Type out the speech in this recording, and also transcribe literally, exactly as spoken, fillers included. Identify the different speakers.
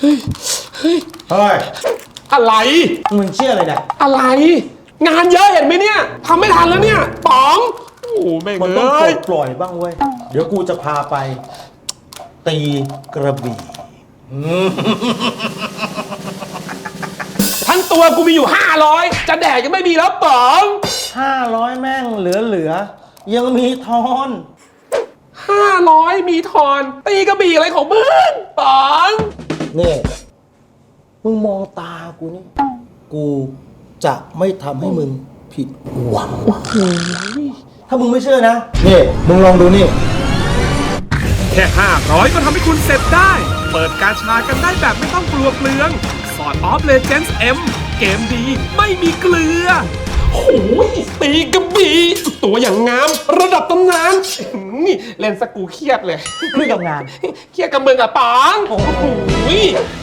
Speaker 1: เฮ้ยเฮ้ย
Speaker 2: เฮ้ย
Speaker 1: อะไร
Speaker 2: มึงเชื่ออะไรเนี่ย
Speaker 1: อะไร งานเยอะเห็นไหมเนี่ยทำไม่ทันแล้วเนี่ยป๋องโอ้แม่ง
Speaker 2: มัน
Speaker 1: เอ
Speaker 2: ต้องปล้ อย
Speaker 1: ย
Speaker 2: ปล่อยบ้างเว้ย เดี๋ยวกูจะพาไป ตีกระบี่
Speaker 1: ทั้งตัวกูมีอยู่ห้าร้อยจะแดกยังไม่มีแล้วป๋อง
Speaker 2: ห้าร้อยแม่งเหลือเหลือ ยังมีทอน
Speaker 1: ห้าร้อยมีทอนตีกระบี่อะไรของมึงป๋อง
Speaker 2: นี่ มึงมองตากูนี่ กูจะไม่ทำให้มึงผิดหวัง ถ้ามึงไม่เชื่อนะ นี่ มึงลองดูนี่
Speaker 3: แค่ห้าร้อยก็ทำให้คุณเสร็จได้ เปิดกาชากันได้แบบไม่ต้องกลัวเปลือง สอดออฟเลเจนส์ M เกมดีไม่มีเกลือ
Speaker 1: โอ้ยตีกระบี่ตัวอย่างงามระดับตำนานนี่เล่นสกกูเครียดเลย
Speaker 2: เครียดกับงาน
Speaker 1: เครียดกับมึงกับป๋องโอ้โห